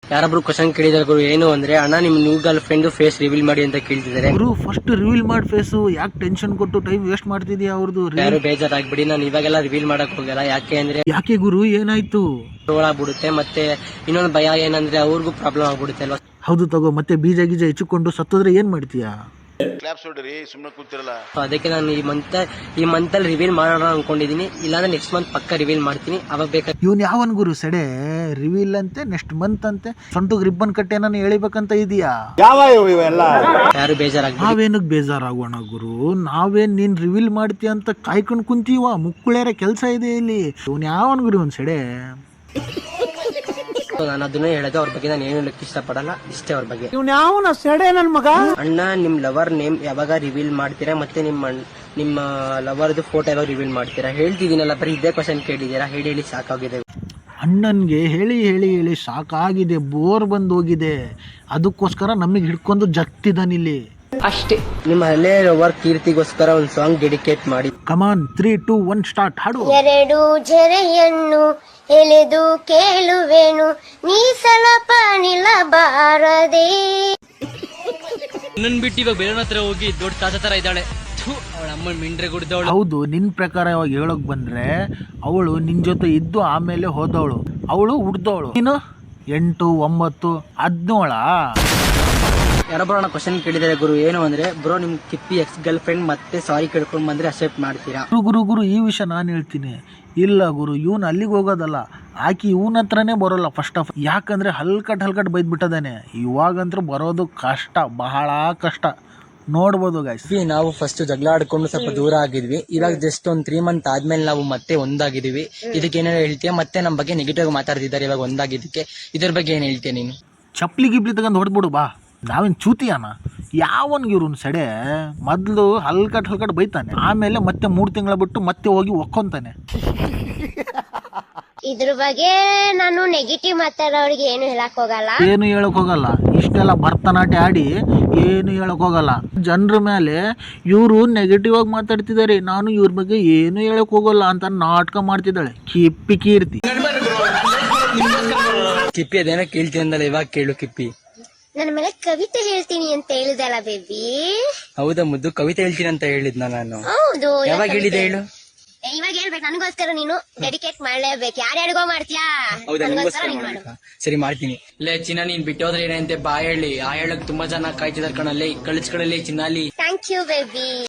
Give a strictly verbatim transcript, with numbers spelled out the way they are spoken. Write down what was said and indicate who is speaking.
Speaker 1: ಯಾರೊಬ್ರು question ಕೇಳಿದಾರೆ ಗುರು, ಏನು ಅಂದ್ರೆ ಅಣ್ಣ ನಿಮ್ new girl friend face reveal ಮಾಡಿ ಅಂತ ಕೇಳ್ತಿದ್ದಾರೆ
Speaker 2: ಗುರು. ಫಸ್ಟ್ ರಿವೀಲ್ ಮಾಡಿ ಫೇಸ್, ಯಾಕೆ ಟೆನ್ಷನ್ ಕೊಟ್ಟು ಟೈಮ್ ವೇಸ್ಟ್ ಮಾಡ್ತಿದ್ಯಾ ಅವ್ರದ್ದು?
Speaker 1: ಯಾರು ಬೇಜಾರಾಗ್ಬಿಡಿ, ನಾನು ಇವಾಗೆಲ್ಲ ರಿವೀಲ್ ಮಾಡಕ್ ಹೋಗಲ್ಲ. ಯಾಕೆ ಅಂದ್ರೆ
Speaker 2: ಯಾಕೆ ಗುರು, ಏನಾಯ್ತು?
Speaker 1: ಆಗ್ಬಿಡುತ್ತೆ. ಮತ್ತೆ ಇನ್ನೊಂದು ಭಯ ಏನಂದ್ರೆ ಅವ್ರಿಗೂ ಪ್ರಾಬ್ಲಮ್ ಆಗ್ಬಿಡುತ್ತೆ ಅಲ್ವಾ.
Speaker 2: ಹೌದು ತಗೋ, ಮತ್ತೆ ಬೀಜ ಗೀಜ ಹೆಚ್ಚಿಕೊಂಡು ಸತ್ತೋದ್ರೆ ಏನ್ ಮಾಡ್ತೀಯಾ?
Speaker 1: ಅದಕ್ಕೆ ನಾನು ಈ ಮಂತ್ ಈ ಮಂತ್ ಅಲ್ಲಿ ರಿವೀಲ್ ಮಾಡೋಣ ಅನ್ಕೊಂಡಿದೀನಿ. ಇಲ್ಲಾಂದ್ರೆ ನೆಕ್ಸ್ಟ್ ಮಂತ್ ಪಕ್ಕ ರಿವೀಲ್ ಮಾಡ್ತೀನಿ. ಅವಾಗ ಬೇಕಾದ್ರೆ
Speaker 2: ಇವನ್ ಯಾವನ್ ಗುರು ಸೆಡೆ ರಿವೀಲ್ ಅಂತೆ, ನೆಕ್ಸ್ಟ್ ಮಂತ್ ಅಂತೆ, ಸೊಂಟಗ್ ರಿಬ್ಬನ್ ಕಟ್ಟೆ ನಾನು ಎಳಿಬೇಕಂತ ಇದೀಯಾ?
Speaker 1: ಯಾರು ಬೇಜಾರಾಗ
Speaker 2: ನಾವೇನಕ್ ಬೇಜಾರಾಗೋಣ ಗುರು, ನಾವೇನ್ ನೀನ್ ರಿವೀಲ್ ಮಾಡ್ತೀಯ ಅಂತ ಕಾಯ್ಕೊಂಡ್ ಕುಂತೀವ? ಮುಕ್ಕುಳೇರ ಕೆಲ್ಸ ಇದೆ ಇಲ್ಲಿ. ಇವನ್ ಯಾವನ್ ಗುರು ಒಂದ್ ಸೆಡೆ?
Speaker 1: ನಾನು ಅದನ್ನೇ ಹೇಳೋದು, ಅವ್ರ ಬಗ್ಗೆ ನಾನು ಏನು ಹೇಳಕ್ ಇಷ್ಟಪಡಲ್ಲ. ಇಷ್ಟೇ ಅವ್ರ ಬಗ್ಗೆ.
Speaker 2: ಇವ್ನ್ ಯಾವನ ಸೆಡೆ ನನ್ ಮಗ?
Speaker 1: ಅಣ್ಣ ನಿಮ್ ಲವರ್ ನೇಮ್ ಯಾವಾಗ ರಿವೀಲ್ ಮಾಡ್ತೀರಾ? ಮತ್ತೆ ನಿಮ್ಮ ನಿಮ್ಮ ಲವರ್ದು ಫೋಟೋ ಯಾವಾಗ ರಿವೀಲ್ ಮಾಡ್ತೀರಾ? ಹೇಳ್ತಿದ್ದೀನಲ್ಲ, ಬರೀ ಇದೇ ಕ್ವಶನ್ ಕೇಳಿದ್ದೀರಾ. ಹೇಳಿ ಹೇಳಿ ಸಾಕಾಗಿದೆ.
Speaker 2: ಅಣ್ಣನ್ಗೆ ಹೇಳಿ ಹೇಳಿ ಹೇಳಿ ಸಾಕಾಗಿದೆ, ಬೋರ್ ಬಂದ್ ಹೋಗಿದೆ. ಅದಕ್ಕೋಸ್ಕರ ನಮಗ್ ಹಿಡ್ಕೊಂಡು ಜಗ್ತಿದ್ದಾನಿಲ್ಲಿ
Speaker 1: ಅಷ್ಟೇ. ನಿಮ್ಮ ಹಳೆ ಲವರ್ ಕೀರ್ತಿಗೋಸ್ಕರ ಒಂದು ಸಾಂಗ್ ಡೆಡಿಕೇಟ್ ಮಾಡಿ.
Speaker 2: Come on, three two one start, ಹಾಡು.
Speaker 3: ಎರಡು ಜರೆಯನ್ನು ಎಳೆದು ಕೇಳುವೆನು, ನೀ ಸ್ವಲ್ಪ ನಿಲ್ಲಬಾರದೆ.
Speaker 1: ನನ್ ಬಿಟ್ಟು ಇವಾಗ ಬೇರೆ ಹತ್ರ ಹೋಗಿ ದೊಡ್ಡ ತಾತ ತರ ಇದ್ದಾಳೆ. ಅವಳ ಅಮ್ಮ ಮಿಂಡ್ರೆ ಗುಡ್ದವಳು.
Speaker 2: ಹೌದು, ನಿನ್ ಪ್ರಕಾರ ಇವಾಗ ಹೇಳಕ್ ಬಂದ್ರೆ ಅವಳು ನಿನ್ ಜೊತೆ ಇದ್ದು ಆಮೇಲೆ ಹೋದವಳು, ಅವಳು ಹುಡ್ದವಳು. ನೀನು ಎಂಟು ಒಂಬತ್ತು ಹದಿನೇಳ.
Speaker 1: ಯಾರೊಬ್ಬರ ಕ್ವಶನ್ ಕೇಳಿದಾರೆ ಗುರು, ಏನು ಅಂದ್ರೆ ಬ್ರೋ ನಿಮ್ ಕಿಪ್ಪಿ ಎಕ್ಸ್ ಗರ್ಲ್ ಫ್ರೆಂಡ್ ಮತ್ತೆ ಸಾರಿ ಕೇಳ್ಕೊಂಡ್ ಬಂದ್ರೆ ಅಕ್ಸೆಪ್ಟ್ ಮಾಡ್ತೀರಾ?
Speaker 2: ಗುರು ಗುರು ಗುರು ಈ ವಿಷಯ ನಾನು ಹೇಳ್ತೀನಿ. ಇಲ್ಲ ಗುರು, ಇವನ್ ಅಲ್ಲಿಗೆ ಹೋಗೋದಲ್ಲ, ಆಕಿ ಇವನ್ ಹತ್ರನೇ ಬರೋಲ್ಲ ಫಸ್ಟ್ ಆಫ್. ಯಾಕಂದ್ರೆ ಹಲ್ಕಟ್ ಹಲ್ಕಟ್ ಬೈದ್ ಬಿಟ್ಟದಾನೆ. ಇವಾಗಂತೂ ಬರೋದು ಕಷ್ಟ, ಬಹಳ ಕಷ್ಟ. ನೋಡ್ಬೋದು ಗೈಸ್.
Speaker 1: ನಾವು ಫಸ್ಟ್ ಜಗಳ ಆಡ್ಕೊಂಡು ಸ್ವಲ್ಪ ದೂರ ಆಗಿದ್ವಿ. ಇವಾಗ ಜಸ್ಟ್ ಒಂದ್ ತ್ರೀ ಮಂತ್ ಆದ್ಮೇಲೆ ನಾವು ಮತ್ತೆ ಒಂದಾಗಿದೀವಿ. ಇದಕ್ಕೆ ಏನೇನು ಹೇಳ್ತೀಯ? ಮತ್ತೆ ನಮ್ ಬಗ್ಗೆ ನೆಗೆಟಿವ್ ಮಾತಾಡ್ತಿದ್ದಾರೆ ಇವಾಗ ಒಂದಾಗಿದ್ದಕ್ಕೆ. ಇದ್ರ ಬಗ್ಗೆ ಏನ್ ಹೇಳ್ತೀಯ ನೀನು?
Speaker 2: ಚಪ್ಲಿ ಗಿಪ್ಲಿ ತಗೊಂಡ್ ಹೊಡ್ಬಿಡು ಬಾ. ನಾವೇನ್ ಚೂತಿಯಾನ? ಯಾವನ್ಗೆ ಇವ್ರು ಸೆಡೆ ಮೊದ್ಲು ಹಲ್ಕಟ್ ಹಲ್ಕಟ್ ಬೈತಾನೆ, ಆಮೇಲೆ ಮತ್ತೆ ಮೂರ್ ತಿಂಗಳ ಬಿಟ್ಟು ಮತ್ತೆ ಹೋಗಿ ಒಕ್ಕೊಂತಾನೆ.
Speaker 3: ಇದ್ರ ಬಗ್ಗೆ ನಾನು ನೆಗೆಟಿವ್ ಮಾತಾಡೋರಿಗೆ ಏನು ಹೇಳಕ್ ಹೋಗಲ್ಲ.
Speaker 2: ಏನು ಹೇಳಕ್ ಹೋಗಲ್ಲ. ಇಷ್ಟೆಲ್ಲ ಭರತನಾಟ್ಯ ಆಡಿ ಏನು ಹೇಳಕ್ ಹೋಗಲ್ಲ. ಜನರ ಮೇಲೆ ಇವರು ನೆಗೆಟಿವ್ ಆಗಿ ಮಾತಾಡ್ತಿದ್ದಾರೆ, ನಾನು ಇವ್ರ ಬಗ್ಗೆ ಏನು ಹೇಳಕ್ ಹೋಗಲ್ಲ ಅಂತ ನಾಟಕ ಮಾಡ್ತಿದ್ದಾಳೆ ಕಿಪ್ಪಿ ಕೀರ್ತಿ.
Speaker 1: ಕಿಪ್ಪಿ ಅದೇನೋ ಕೇಳ್ತೀನಿ ಅಂದಲ್ಲ, ಇವಾಗ ಕೇಳು ಕಿಪ್ಪಿ.
Speaker 3: ನನ್ನ ಮೇಲೆ ಕವಿತೆ ಹೇಳ್ತೀನಿ ಅಂತ ಹೇಳಿದಲ್ಲ ಬೇಬಿ.
Speaker 1: ಹೌದಾ ಮುದ್ದು, ಕವಿತೆ ಹೇಳ್ತೀನಿ ಅಂತ ಹೇಳಿದ್ನ ನಾನು?
Speaker 3: ಹೌದು.
Speaker 1: ಯಾವಾಗ ಹೇಳಿದೆ ಹೇಳು?
Speaker 3: ಇವಾಗ ಹೇಳ್ಬೇಕು, ನನಗೋಸ್ಕರ ನೀನು ಡೆಡಿಕೇಟ್ ಮಾಡ್ಲೇಬೇಕು. ಯಾರ್ಯಾರಿಗೋ ಮಾಡ್ತೀಯಾ?
Speaker 1: ಸರಿ ಮಾಡ್ತೀನಿ. ಲೇ ಚಿನ್ನ, ನೀನ್ ಬಿಟ್ಟೋದ್ರೆ ಏನಂತೆ ಬಾ ಹೇಳಿ. ಆ ಹೇಳಕ್ ತುಂಬಾ ಜನ ಕಾಯ್ತಿದಾರೆ ಕಣಲ್ಲಿ. ಕಳಿಸ್ಕೊಳ್ಳಲಿ ಚಿನ್ನಾಲಿ.
Speaker 3: Thank you baby.